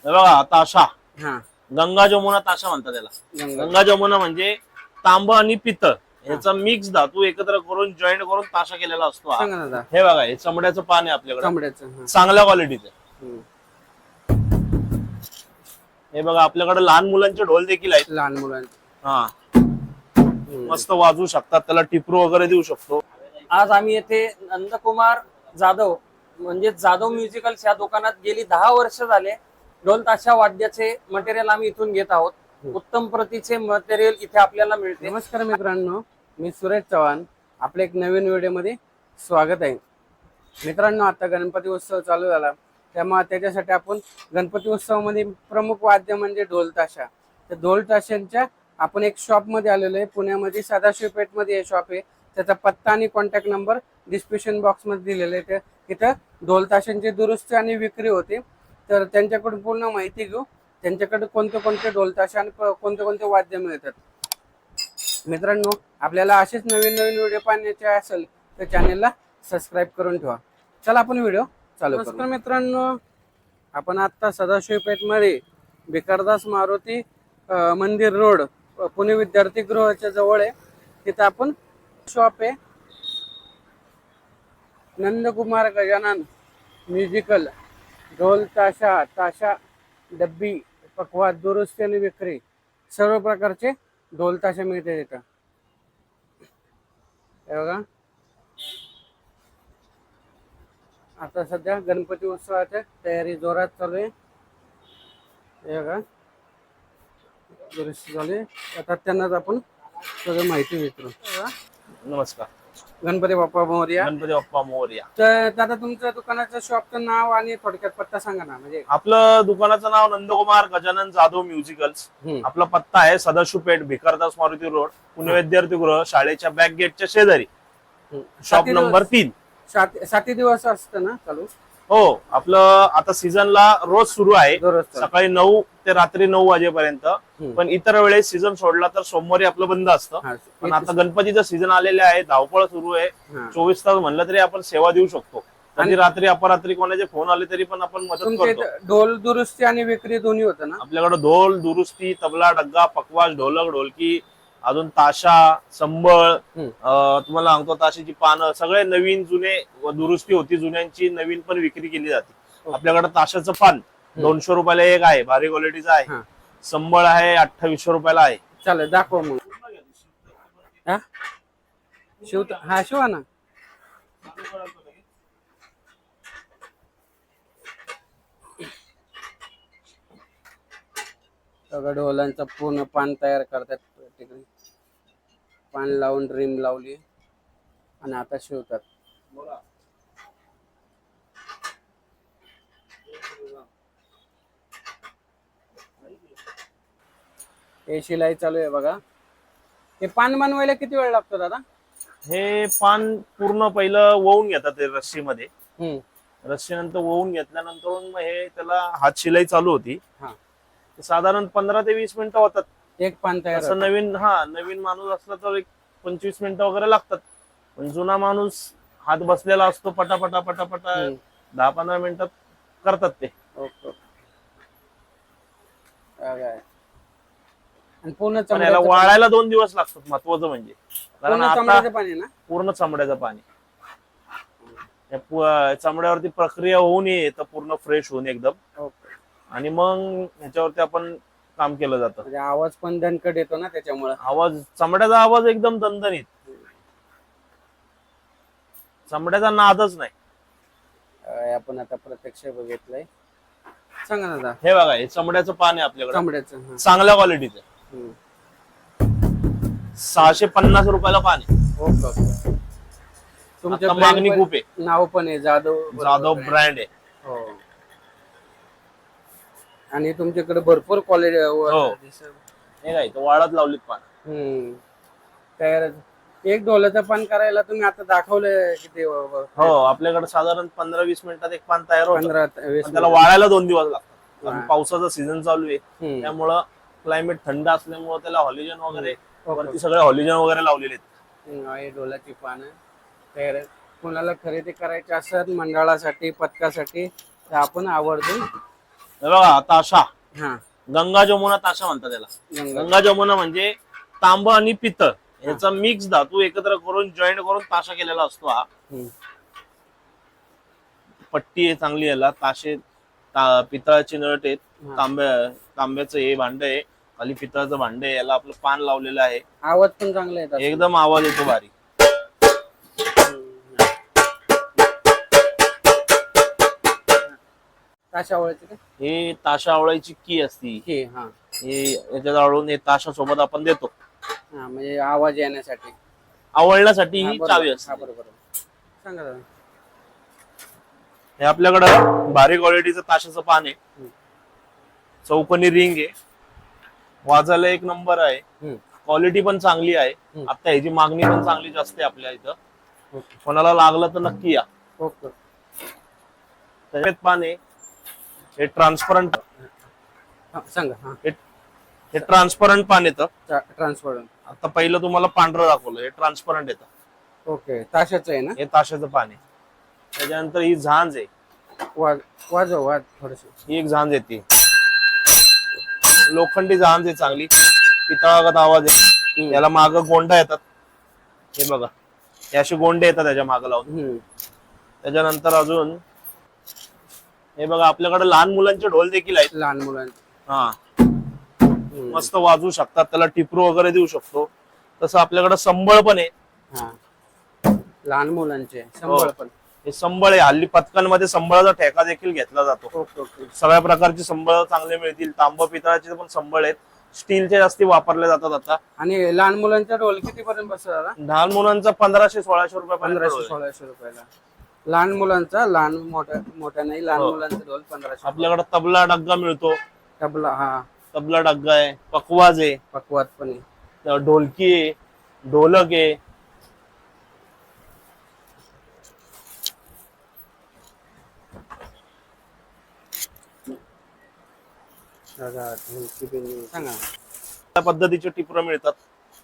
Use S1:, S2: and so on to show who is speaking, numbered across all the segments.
S1: हे बघा ताशा,
S2: हा
S1: गंगा जमुना ताशा म्हणतात त्याला. गंगा जमुना म्हणजे तांब आणि पितळ याचा मिक्स धातू एकत्र करून जॉईंट करून ताशा केलेला असतो हा.
S2: सांगा ना दादा.
S1: हे बघा हे चमड्याचं पान आहे आपल्याकडे,
S2: चांबड्याचं.
S1: चांगल्या क्वालिटीचं.
S2: हम्म.
S1: हे बघा आपल्याकडे लहान मुलांचे ढोल देखील आहेत.
S2: लहान मुलांचे.
S1: हा मस्त वाजवू शकतात, त्याला टिपरू वगैरे देऊ शकतो.
S2: आज आम्ही येथे नंदकुमार जाधव म्हणजे जाधव म्युझिकल्स या दुकानात गेली 10 वर्ष झाले ढोल ताशा वाद्याचे मटेरियल आम्ही इथून घेत आहोत. उत्तम प्रतीचे मटेरियल इथे आपल्याला मिळते. नमस्कार मित्रांनो, मी सुरेश चव्हाण. आपल्या एक नवीन व्हिडिओमध्ये स्वागत आहे. मित्रांनो, आता गणपती उत्सव चालू झाला, त्यामुळे त्याच्यासाठी आपण गणपती उत्सवामध्ये प्रमुख वाद्य म्हणजे ढोल ताशा. तर ढोल ताशांच्या आपण एक शॉप मध्ये आलेलो आहे. पुण्यामध्ये सदाशिव पेठमध्ये हे शॉप आहे. त्याचा पत्ता आणि कॉन्टॅक्ट नंबर डिस्क्रिप्शन बॉक्स मध्ये दिलेले आहे. इथं ढोल ताशांची दुरुस्ती आणि विक्री होते. तर त्यांच्याकडून पूर्ण माहिती घेऊ, त्यांच्याकडे कोणते कोणते ढोल ताशा आणि कोणते कोणते वाद्य मिळतात. मित्रांनो, आपल्याला असेच नवीन नवीन व्हिडिओ पाहण्याचे असेल तर चॅनेलला सबस्क्राईब करून ठेवा. चला आपण व्हिडिओ चालू करू. नमस्कार मित्रांनो, आपण आता सदाशिव पेठमध्ये भिकारदास मारुती मंदिर रोड पुणे विद्यार्थी गृहाच्या जवळ आहे. तिथं आपण शॉप आहे नंदकुमार गजानन म्युझिकल. ढोल ताशा, ताशा डब्बी, पकवाज, दुरुस्ती आणि विक्री सर्व प्रकारचे ढोल ताशा मिळते तिथं. हे बघा, आता सध्या गणपती उत्सवाची तयारी जोरात चालू आहे. हे बघा, दुरुस्ती झाली. आता त्यांनाच आपण सगळं माहिती विचारू.
S1: नमस्कार.
S2: गणपती बाप्पा मोरया.
S1: गणपती बाप्पा मोरया.
S2: तर दादा, तुमच्या दुकानाचं शॉपचं नाव आणि थोडक्यात पत्ता सांगा ना. म्हणजे
S1: आपलं दुकानाचं नाव नंदकुमार गजानन जाधव म्युझिकल्स. आपला पत्ता आहे सदाशिव पेठ, भिकारदास मारुती रोड, पुणे विद्यार्थी गृह, शाळेच्या बॅक गेटच्या शेजारी, शॉप नंबर 3.
S2: 7 दिवस असतं ना चालू?
S1: हो, आपलं आता सीझनला रोज सुरू आहे,
S2: दररोज
S1: सकाळी 9 ते रात्री 9 वाजेपर्यंत. पण इतर वेळेस सीझन सोडला तर सोमवारी आपलं बंद असतं. पण आता गणपतीचं सीझन आलेले आहे, धावपळ सुरू आहे. 24 तास म्हणलं तरी आपण सेवा देऊ शकतो. कधी रात्री अपरात्री कोणाचे फोन आले तरी पण आपण मदत करतो.
S2: ढोल दुरुस्ती आणि विक्री दोन्ही होतं ना
S1: आपल्याकडे? ढोल दुरुस्ती, तबला, डग्गा, पकवाज, ढोलक, ढोलकी, अजून ताशा, संबळ, तुम्हाला सांगतो ताशाची पानं, सगळे नवीन जुने दुरुस्ती होती, जुन्यांची नवीन पण विक्री केली जाते. आपल्याकडे ताशाचं पान 200 रुपयाला एक आहे, भारी क्वालिटीचं आहे. संबळ आहे 2800 रुपयाला आहे.
S2: चालेल, दाखव मग. शिवा ना. ढोलांचा पूर्ण पान तयार करतात. पान लावून ड्रीम लावली आणि आता शिवतात. हे शिलाई चालू आहे बघा. हे पान बनवायला किती वेळ लागतो दादा? हे
S1: पान पूर्ण पहिलं वळून घेतात रस्सीमध्ये. रस्सीनंतर वळून घेतल्यानंतर मग हे त्याला हात शिलाई चालू होती. साधारण 15 ते 20 मिनिटं होतात
S2: एक पान तयार.
S1: असं नवीन माणूस असला तर एक 25 मिनिटं वगैरे लागतात. पण जुना माणूस हात बसलेला असतो, पटापटा पटापटा 10-15 मिनिटात करतात ते.
S2: पूर्ण
S1: याला वाळायला 2 दिवस लागतात. महत्वाचं म्हणजे पूर्ण चमड्याचं पाणी. चमड्यावरती प्रक्रिया होऊन तर पूर्ण फ्रेश होऊन एकदम, आणि मग ह्याच्यावरती आपण काम केलं जातं.
S2: आवाज पण दणकट येतो ना त्याच्यामुळे.
S1: आवाज, चमड्याचा आवाज एकदम दणदणीत, चमड्याचा नादच नाही.
S2: आपण आता प्रत्यक्ष बघितलंय. सांगा ना दादा.
S1: हे बघा, हे चमड्याचं पान आहे आपल्याकडे,
S2: चमड्याचं
S1: चांगल्या क्वालिटीचं. 650 रुपयाला पान आहे. तुमच्या मागणी खूप आहे.
S2: नाव पण आहे
S1: जाधव ब्रँड आहे.
S2: हो, आणि तुमच्याकडे भरपूर क्वालिटी.
S1: हे काय वाळत लावलीत पान.
S2: तयार एक ढोलाचं पान करायला तुम्ही आता दाखवलंय किती?
S1: हो, आपल्याकडे साधारण 15-20 मिनिटात एक पान तयार होतं.
S2: 15-20
S1: त्याला वाळायला 2 दिवस लागतात. पावसाचा सीझन चालू आहे, त्यामुळं क्लायमेट थंड असल्यामुळे त्याला हॉलिजन वगैरे वरती सगळे हॉलिजन वगैरे लावलेले आहेत.
S2: ढोलाची पानं तयार. कोणाला खरेदी करायची असेल मंडळासाठी, पथकासाठी, तर आपण आवर्जून
S1: हे बघा ताशा,
S2: हा
S1: गंगा जमुना ताशा म्हणतात त्याला.
S2: गंगा.
S1: गंगा जमुना म्हणजे तांब आणि पितळ याचा मिक्स धातू एकत्र करून जॉईंट करून ताशा केलेला असतो हा.
S2: हम्म.
S1: पट्टी आहे चांगली याला. ताशे पितळाची नट आहेत.
S2: हा.
S1: तांब्याचं हे भांड आहे, खाली पितळाचं भांड आहे. याला आपलं पान लावलेलं आहे.
S2: आवाज पण चांगला येतात.
S1: एकदम आवाज येतो भारी.
S2: ताशा आवळायची का?
S1: हे ताशा आवळायची की असती.
S2: हे हा
S1: हे याच्यात आवळून हे ताशा सोबत आपण देतो
S2: हा म्हणजे आवाज येण्यासाठी.
S1: आवळण्यासाठी.
S2: हा,
S1: ही
S2: बरोबर.
S1: चावी
S2: हा,
S1: असते.
S2: बरोबर. सांगा दादा.
S1: हे आपल्याकडं भारी क्वालिटीचं ताशाचं पान आहे.
S2: हम्म.
S1: चौकोनी रिंग आहे. वाजायला एक नंबर आहे.
S2: हम्म.
S1: क्वालिटी पण चांगली आहे.
S2: हम्म.
S1: आता ह्याची मागणी पण चांगली जास्त आहे आपल्या इथं.
S2: ओके.
S1: कोणाला लागलं तर नक्की या.
S2: ओके.
S1: त्याच्यात पान आहे. हे ट्रान्सपरंट
S2: हा, सांगा. हा
S1: हे ट्रान्सपरंट पान येतं.
S2: ट्रान्सफर.
S1: आता पहिलं तुम्हाला पांढरं दाखवलं. हे ट्रान्सपरंट येतं.
S2: ओके. ताशाचं आहे ना?
S1: हे ताशाचं पान आहे. त्याच्यानंतर ही झांज आहे.
S2: वाजव थोडस.
S1: ही एक झांज येते. लोखंडी झांज आहे चांगली. पितळागत आवाज आहे. याला माग गोंडा येतात. हे बघा, हे असे गोंडे येतात त्याच्या माग लावून. त्याच्यानंतर अजून हे बघा, आपल्याकडे लहान मुलांचे ढोल देखील आहेत.
S2: लहान मुलांचे.
S1: हा, मस्त वाजवू शकतात. त्याला टिपरू वगैरे देऊ शकतो. तसं आपल्याकडे संबळ पण आहे.
S2: हा लहान मुलांचे संबळ पण.
S1: हे संबळ आहे. हल्ली पथकांमध्ये संबळाचा ठेका देखील घेतला जातो.
S2: Okay okay.
S1: सगळ्या प्रकारचे संबळ चांगले मिळतील. तांब पितळाचे पण संबळ आहेत. स्टीलचे जास्ती वापरले जातात आता.
S2: आणि लहान मुलांचा ढोल किती पर्यंत बसतो दादा?
S1: लहान मुलांचा 1500-1600 रुपये
S2: 1500-1600 रुपयाला. लहान मुलांचा, लहान मोठ्या नाही, लहान मुलांचा ढोल 1500.
S1: आपल्याकडे तबला डग्गा मिळतो.
S2: तबला. हा
S1: तबला डग्गा आहे. पकवाज आहे.
S2: पकवात पण आहे.
S1: ढोलकी आहे. ढोलक आहे.
S2: सांगा.
S1: त्या पद्धतीचे टिपरं मिळतात.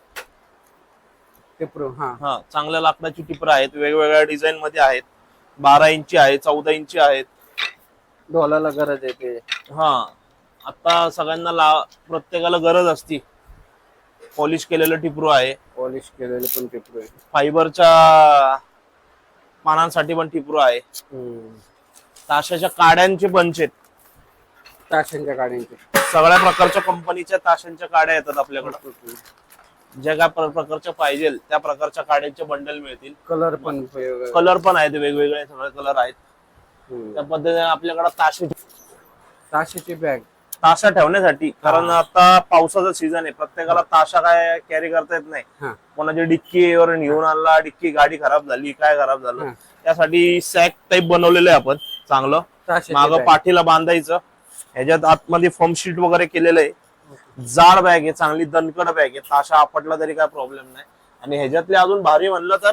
S2: टिपरू. हा
S1: हा, चांगल्या लाकडाची टिपरं आहेत. वेगवेगळ्या डिझाईन मध्ये आहेत. 12 इंची आहे, 14 इंची आहेत.
S2: ढोलाला गरज आहे ते.
S1: हा, आता सगळ्यांना प्रत्येकाला गरज असती. पॉलिश केलेलं टिपरू आहे.
S2: पॉलिश केलेले पण टिपरू आहे.
S1: फायबरच्या पानांसाठी पण टिपरू आहे. ताशाच्या काड्यांचे बंच आहेत.
S2: ताशांच्या गाड्यांचे.
S1: सगळ्या प्रकारच्या कंपनीच्या ताशांच्या काड्या येतात आपल्याकडे. ज्या काय प्रकारच्या पाहिजे त्या प्रकारच्या काड्यांचे बंडल मिळतील.
S2: कलर पण
S1: कलर पण आहेत. वेगवेगळे सगळे कलर आहेत. त्या पद्धतीने आपल्याकडे
S2: ताशाची बॅग.
S1: ताशा ठेवण्यासाठी, कारण आता पावसाचा सीझन आहे. प्रत्येकाला ताशा काय कॅरी करता येत नाही.
S2: हा
S1: कोणाची डिक्कीवर घेऊन आणला, डिक्की गाडी खराब झाली, काय खराब झालं, त्यासाठी सॅक टाईप बनवलेलं आहे आपण चांगलं. माग पाठीला बांधायचं. ह्याच्यात आतमध्ये फॉर्म शीट वगैरे केलेलं आहे. जाड बॅग आहे, चांगली दणकड बॅग आहे. ताशा आपटला तरी काय प्रॉब्लेम नाही. आणि ह्याच्यातले अजून भारी म्हणलं तर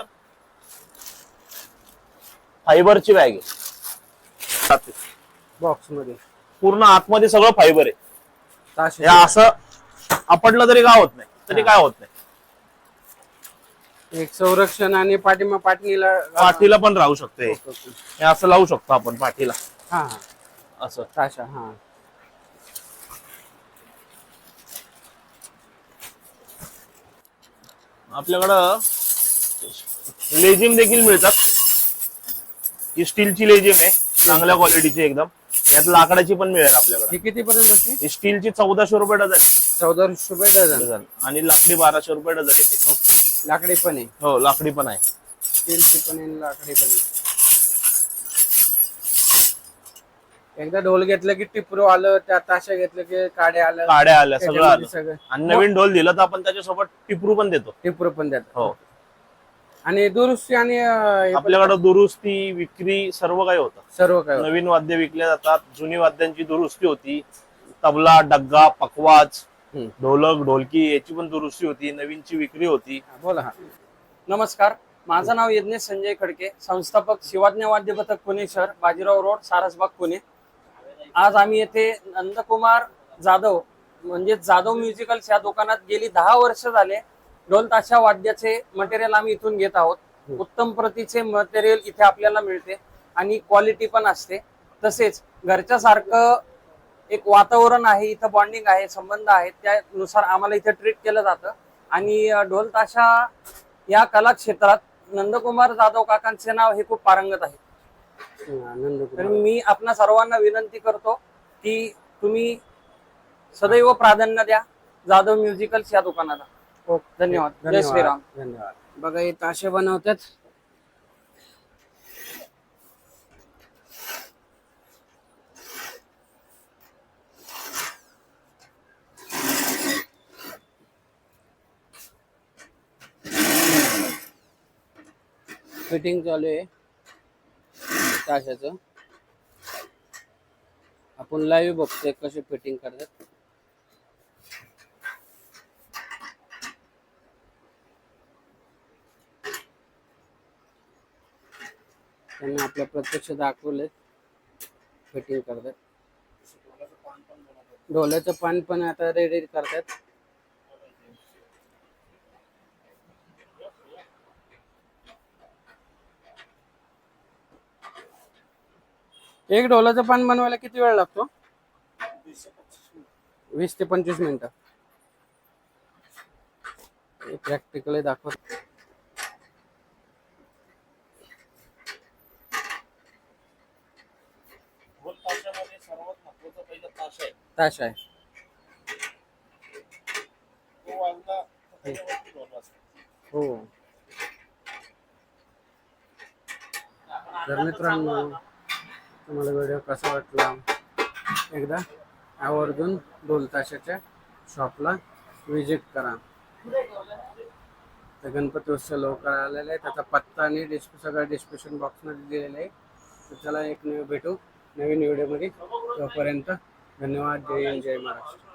S1: फायबरची बॅग आहे.
S2: बॉक्स मध्ये
S1: पूर्ण आतमध्ये सगळं फायबर आहे. हे असं आपटलं तरी काय होत नाही. तरी काय होत नाही.
S2: एक संरक्षण. आणि
S1: पाठीला पण राहू शकते. हे असं लावू शकतो आपण पाठीला.
S2: हा हा
S1: असं
S2: ताशा. हा
S1: आपल्याकडं लेझिम देखील मिळतात. ही स्टीलची लेझिम आहे, चांगल्या क्वालिटीची एकदम. यात लाकडाची पण मिळेल आपल्याकडे.
S2: ही किती पर्यंत बसते?
S1: ही स्टीलची 1400 रुपये डझन.
S2: 1400 रुपये डझन.
S1: आणि लाकडी 1200 रुपये डझन येते.
S2: लाकडी पण आहे.
S1: हो, लाकडी पण आहे.
S2: स्टीलची पण आहे, लाकडी पण आहे. एकदा ढोल घेतलं की टिपरू आलं, त्या ताशा घेतलं की काड्या
S1: आल्या सगळं आलं.
S2: सगळं.
S1: आणि नवीन ढोल दिलं तर आपण त्याच्यासोबत टिपरू पण देतो.
S2: टिपरू पण देतात.
S1: हो,
S2: आणि दुरुस्ती आणि
S1: आपल्याकडे दुरुस्ती, विक्री सर्व काही होतं.
S2: सर्व काय.
S1: नवीन वाद्य विकले जातात. जुनी वाद्यांची दुरुस्ती होती. तबला, डग्गा, पकवाज, ढोलक, ढोलकी याची पण दुरुस्ती होती. नवीनची विक्री होती.
S2: बोला. हा नमस्कार, माझं नाव यज्ञेश संजय खडके, संस्थापक शिवाज्ञ वाद्य पथक पुणे शहर, बाजीराव रोड, सारसबाग, पुणे. आज आम्ही येथे नंदकुमार जाधव म्हणजे जाधव म्युझिकल्स या दुकानात गेली 10 वर्ष झाले ढोल ताशा वाद्याचे मटेरियल आम्ही इथून घेत आहोत. उत्तम प्रतीचे मटेरियल इथे आपल्याला मिळते आणि क्वालिटी पण असते. तसेच घरच्या सारखं एक वातावरण आहे, इथं बॉन्डिंग आहे, संबंध आहेत, त्यानुसार आम्हाला इथं ट्रीट केलं जातं. आणि ढोल ताशा या कला क्षेत्रात नंदकुमार जाधव काकांचे नाव हे खूप पारंगत आहे. तर मी आपणा सर्वांना विनंती करतो की तुम्ही सदैव प्राधान्य द्या जाधव म्युझिकल्स या दुकानाला. धन्यवाद. जय श्रीराम.
S3: धन्यवाद. बघा हे ताशे बनवतात. फिटिंग चालू आहे ताशाचं. आपण लाईव्ह बघतोय कसे फिटिंग करतात. त्यांनी आपल्या प्रत्यक्ष दाखवले फिटिंग करतात. ढोल्याचं पान पण आता रेडी करतात. एक ढोलाचं पान बनवायला किती वेळ लागतो? 20 ते 25 मिनिटं. प्रॅक्टिकली दाखवत.
S1: सर्वात महत्वाचं पहिलं ताशा आहे.
S3: ताशा आहे.
S1: तो वाजला तर त्याच्यावरती ढोल वाजतो.
S3: हो. तर मित्रांनो, तुम्हाला व्हिडिओ कसा वाटला एकदा आवर्जून ढोल ताशाच्या शॉपला विजिट करा. तर गणपती उत्सव लवकर आलेला आहे. त्याचा पत्ता आणि सगळं डिस्क्रिप्शन बॉक्समध्ये दिलेलं आहे. तर चला एक भेटू नवीन व्हिडिओमध्ये. तोपर्यंत धन्यवाद. जय हिंद, जय महाराष्ट्र.